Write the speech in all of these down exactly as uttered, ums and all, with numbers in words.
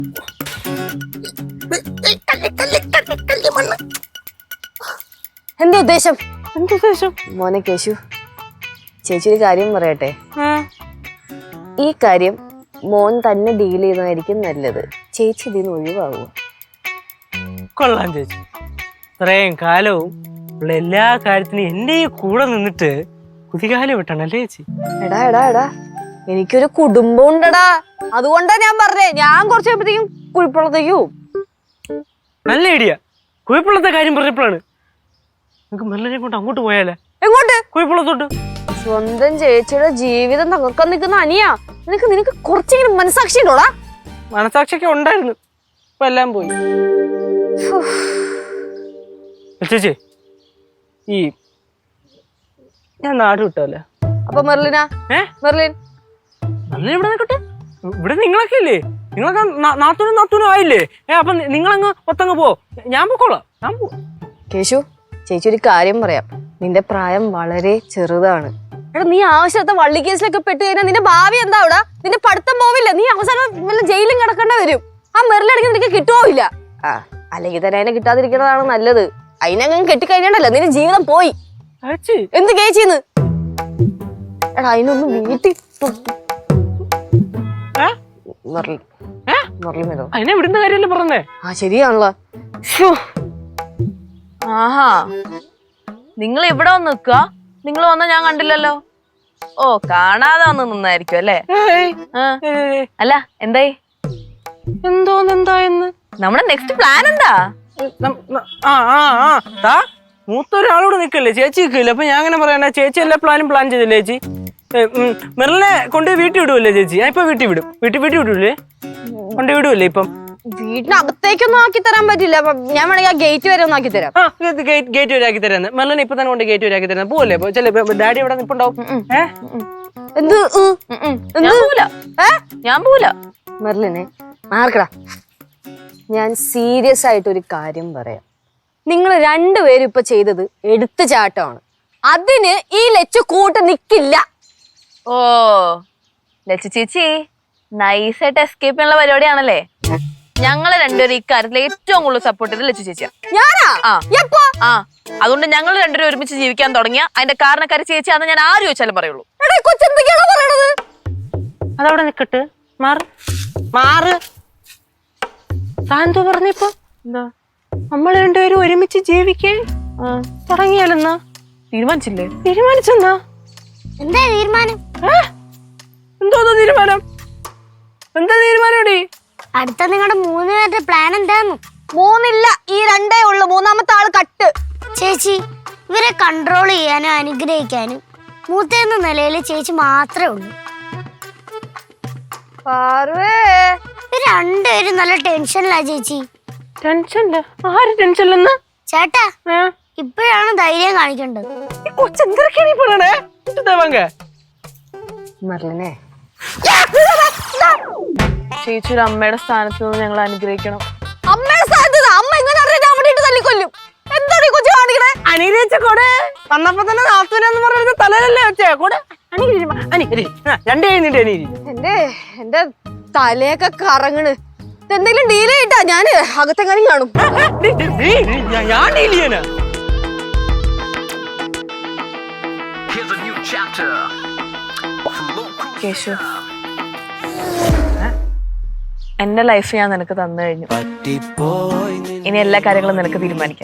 എന്താ ഉദ്ദേശം? എന്തുദ്ദേശം? മോനെ കേശു, ചേച്ചി ഒരു കാര്യം പറയട്ടെ. ഈ കാര്യം മോൻ തന്നെ ഡീൽ ചെയ്യുന്നതായിരിക്കും നല്ലത്. ചേച്ചി ഇതിന് ഒഴിവാകുക. കൊള്ളാം ചേച്ചി. ഇത്രയും കാലവും ഉള്ള എല്ലാ കാര്യത്തിനും എന്റെ ഈ കൂടെ നിന്നിട്ട് കുതികാലം വിട്ടണല്ലേ ചേച്ചി? എടാ എടാ എടാ എനിക്കൊരു കുടുംബം ഉണ്ടടാ. അതുകൊണ്ടാ ഞാൻ പറഞ്ഞേ, ഞാൻ കുറച്ച് കഴിയുമ്പോഴത്തേക്കും കുഴിപ്പുള്ളത്തേക്കു. നല്ല ഐഡിയ. കുഴിപ്പുള്ളത്തെ കാര്യം പറഞ്ഞപ്പോഴാണ് നമുക്ക് മെല്ലനെ കൊണ്ട് അങ്ങോട്ട് പോയാലേ. എങ്ങോട്ട്? കുഴിപ്പുള്ളത്തോട്ട്. സ്വന്തം ചേച്ചിയുടെ ജീവിതം തകർക്കാൻ നിൽക്കുന്ന അനിയാ. നിനക്ക് നിനക്ക് കുറച്ചെങ്കിലും മനസാക്ഷി ഉണ്ടോടാ? മനസാക്ഷിയൊക്കെ ഉണ്ടായിരുന്നു, ഇപ്പൊ എല്ലാം പോയി. ചേച്ചി ഈ ഞാൻ നാട് വിട്ടല്ലേ. അപ്പൊ മെർലിനാ? ഏ മെർലിൻ മെർലിൻ ഇവിടെ നിൽക്കട്ടെ. ഇവിടെ നിങ്ങളൊക്കെ ഇല്ലേ? നിങ്ങളൊക്കെ നാത്തൂനും നാത്തൂനും ആയില്ലേ? ഏ അപ്പൊ നിങ്ങളങ്ങ് ഒത്തങ്ങ് പോ, ഞാൻ പോക്കോളാം. ഞാൻ പോ. കേശു, ചേച്ചി ഒരു കാര്യം പറയാം. നിന്റെ പ്രായം വളരെ ചെറുതാണ്. എടാ നീ ആവശ്യത്തെ വള്ളി കേസിലൊക്കെ പെട്ട് കഴിഞ്ഞാൽ നിന്റെ ഭാവി എന്താ അവിടെ? നിന്റെ പഠിത്തം പോവില്ല. നീ അവസാനം വല്ല ജയിലും കിടക്കേണ്ട വരും. ആ മെറിലടങ്ങി നിനക്ക് കിട്ടുപോയില്ല. ആ അല്ലെങ്കിൽ തന്നെ അതിനെ കിട്ടാതിരിക്കുന്നതാണ് നല്ലത്. അതിനങ്ങനെ കെട്ടിക്കഴിഞ്ഞാണ്ടല്ലോ നിന്റെ ജീവിതം പോയി. എന്ത് കേച്ചിന്ന്? എടാ അതിനൊന്നും വീട്ടിൽ അതിനെ വിടുന്ന കാര്യമല്ലേ പറഞ്ഞേ? ആ ശരിയാണല്ലോ. ആഹാ, നിങ്ങൾ ഇവിടെ വന്ന് നിക്ക? നിങ്ങൾ വന്ന ഞാൻ കണ്ടില്ലല്ലോ. ഓ, കാണാതെ വന്ന് നിന്നായിരിക്കും അല്ലേ? അല്ല എന്തായി? എന്തോന്നെന്തായെന്ന്? നമ്മുടെ നെക്സ്റ്റ് പ്ലാൻ എന്താ? മൂത്തൊരാളോട് നിക്കല്ലേ, ചേച്ചി നിൽക്കില്ല. അപ്പൊ ഞാൻ അങ്ങനെ പറയണ, ചേച്ചി എല്ലാ പ്ലാനും പ്ലാൻ ചെയ്തില്ലേ ചേച്ചി? മെറിലിനെ കൊണ്ടുപോയി വീട്ടിൽ വിടുവല്ലേ ചേച്ചി? ഞാൻ ഇപ്പൊ വീട്ടിൽ വിടും. വീട്ടിൽ വീട്ടിൽ വിടൂലേ? കൊണ്ട് വിടുവല്ലേ? ഇപ്പം വീട്ടിനകത്തേക്കൊന്നും ആക്കി തരാൻ പറ്റില്ല. ഞാൻ വേണമെങ്കിൽ ആ ഗേറ്റ് വരെ ഒന്ന് ആക്കി തരാം. ഗേറ്റ് വരെ ആക്കി തരാന്ന്. മെറിലിനെ ഇപ്പൊ തന്നെ കൊണ്ട് ഗേറ്റ് വരെ ആക്കി തരാം. പോവല്ലേ? ഡാഡി ഇവിടെ നിപ്പുണ്ടാവും. എന്ത് ഞാൻ പോവില്ല. മെറിലിനെ മാർക്കടാ. ഞാൻ സീരിയസ് ആയിട്ട് ഒരു കാര്യം പറയാം. നിങ്ങൾ രണ്ടുപേരും ഇപ്പൊ ചെയ്തത് എടുത്തു ചാട്ടമാണ്. അതിന് ഈ ലച്ചു കൂട്ട് നിക്കില്ല. ഓ ലച്ചു ചേച്ചി നൈസായിട്ട് എസ്കേപ്പ് ചെയ്യാനുള്ള പരിപാടിയാണല്ലേ? ഞങ്ങള് രണ്ടുപേരും ഇക്കാര്യത്തിൽ ഏറ്റവും കൂടുതൽ സപ്പോർട്ട് ചെയ്ത് ലച്ചു ചേച്ചിയാ. ഞാനാ? ആ അതുകൊണ്ട് ഞങ്ങൾ രണ്ടുപേരും ഒരുമിച്ച് ജീവിക്കാൻ തുടങ്ങിയ അതിന്റെ കാരണക്കാരി ചേച്ചിയാന്ന് ഞാൻ ആര് ചോദിച്ചാലും പറയുള്ളൂ. അതവിടെ നിക്കട്ട്. മാറ് മാറ്. താന്തോ പറഞ്ഞിപ്പോ എന്താ നമ്മൾ രണ്ടുപേരും ഒരുമിച്ച് ജീവിക്കേ തുടങ്ങിയാലെന്നാ? തീരുമാനിച്ചില്ലേ? തീരുമാനിച്ചെന്നാ? എന്താ തീരുമാനം? എന്തോ തീരുമാനം? എന്താ തീരുമാനോടി? അടുത്ത നിങ്ങളുടെ മൂന്ന് പേരുടെ പ്ലാൻ എന്താന്ന്? മൂന്നില്ല, ഈ രണ്ടേ ഉള്ളു. മൂന്നാമത്തെ ആള് കട്ട്. ചേച്ചി, ഇവരെ കൺട്രോൾ ചെയ്യാനും അനുഗ്രഹിക്കാനും മൂത്തെന്ന നിലയിൽ ചേച്ചി മാത്രമേ ഉള്ളൂ. ഇവര് രണ്ടുപേരും നല്ല ടെൻഷനിലാ ചേച്ചി. ടെൻഷനില്ല? ആര് ടെൻഷനില്ലെന്ന്? ചേട്ടാ ഇപ്പോഴാണ് ധൈര്യം കാണിക്കേണ്ടത്. മെറിലിനെ ചേച്ചി ഒരു അമ്മയുടെ സ്ഥാനത്ത് നിന്ന് ഞങ്ങൾ അനുഗ്രഹിക്കണം. അമ്മയുടെ സ്ഥാനത്ത് അമ്മ എങ്ങനെ അവിടെ തല്ലിക്കൊല്ലും? എന്താണ് ഈ കൊച്ചു കാണിക്കണേ? അനുഗ്രഹിച്ച കൂടെ വന്നപ്പോ തന്നെ നാത്തൂനെന്ന് പറയുന്നത് തലയിലല്ലേ വെച്ചേ കൂടെ. രണ്ടു കഴിഞ്ഞിട്ട് എന്റെ എന്റെ തലയൊക്കെ കറങ്ങണ്. എന്തെങ്കിലും ഡീൽ ചെയ്തിട്ടാ ഞാന് അകത്തെങ്ങാനും കാണും. ഞാൻ ഡീൽ ചെയ്യാനാ? കേശു, എന്റെ ലൈഫ് ഞാൻ നിനക്ക് തന്നു കഴിഞ്ഞു. ഇനി എല്ലാ കാര്യങ്ങളും നിനക്ക് തീരുമാനിക്കാം.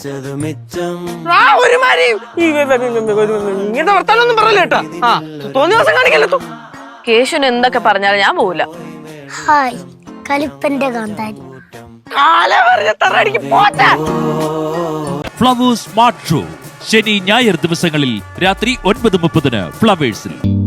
ഇങ്ങനത്തെ വർത്താനൊന്നും പറയല്ലേ കേട്ടാ. ആ തോന്നിയ ദിവസം കാണിക്കല്ലോ. കേശുന് എന്തൊക്കെ പറഞ്ഞാലും ഞാൻ പോവില്ല. ഹായ് കലിപ്പന്റെ കാന്താരി. ഫ്ലവേഴ്സ് സ്മാർട്ട് ഷോ ശനി ഞായർ ദിവസങ്ങളിൽ രാത്രി ഒൻപത് മുപ്പതിന് ഫ്ലവേഴ്സിൽ.